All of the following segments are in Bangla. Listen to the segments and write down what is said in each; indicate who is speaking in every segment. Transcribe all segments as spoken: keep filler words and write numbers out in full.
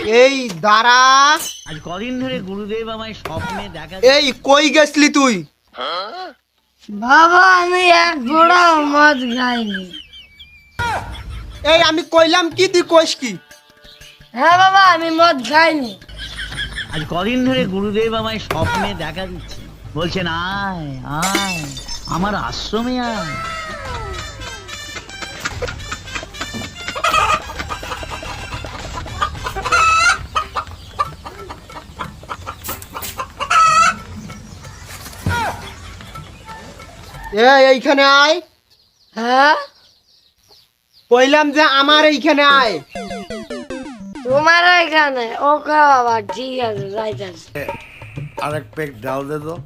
Speaker 1: এই দাঁড়া।
Speaker 2: আজ কদিন ধরে গুরুদেব আমায় স্বপ্নে দেখা।
Speaker 1: এই কই গেছলি তুই?
Speaker 3: বাবা আমি এক ঘোড়াও মদ খাইনি।
Speaker 1: এই আমি কইলাম কি তুই কইস কি?
Speaker 3: হ্যাঁ বাবা আমি মদ খাইনি।
Speaker 2: আজ কদিন ধরে গুরুদেব আমায় স্বপ্নে দেখা দিচ্ছে, বলছেন আয় আয় আমার আশ্রমে আয়।
Speaker 1: এই এইখানে আয়।
Speaker 3: হ্যাঁ
Speaker 1: কইলাম যে আমার এইখানে আয়।
Speaker 3: তোমার এখানে ওকে বাবা ঠিক আছে যাইতেছে।
Speaker 4: আরেক পেক ডাল দে তো।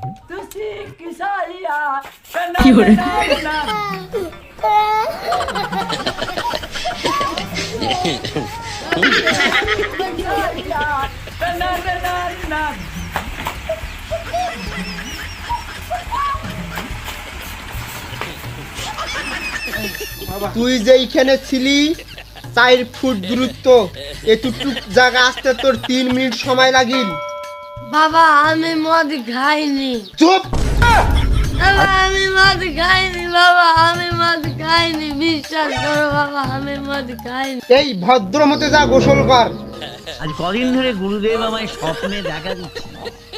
Speaker 1: তুই যে এইখানে ছিলি চার ফুট দূরত্ব, এতটুক জায়গা আসতে তোর তিন মিনিট সময় লাগিল।
Speaker 3: বাবা আমি মদ খাইনি।
Speaker 1: চুপ।
Speaker 3: বাবা আমি মদ খাইনি। বাবা আমি মদ খাইনি, বিশ্বাস করো বাবা আমি মদ খাইনি।
Speaker 1: এই ভদ্র মতে যা গোসল কর।
Speaker 2: আজ কদিন ধরে গুরুদেব আমায় স্বপ্নে দেখা দিচ্ছে,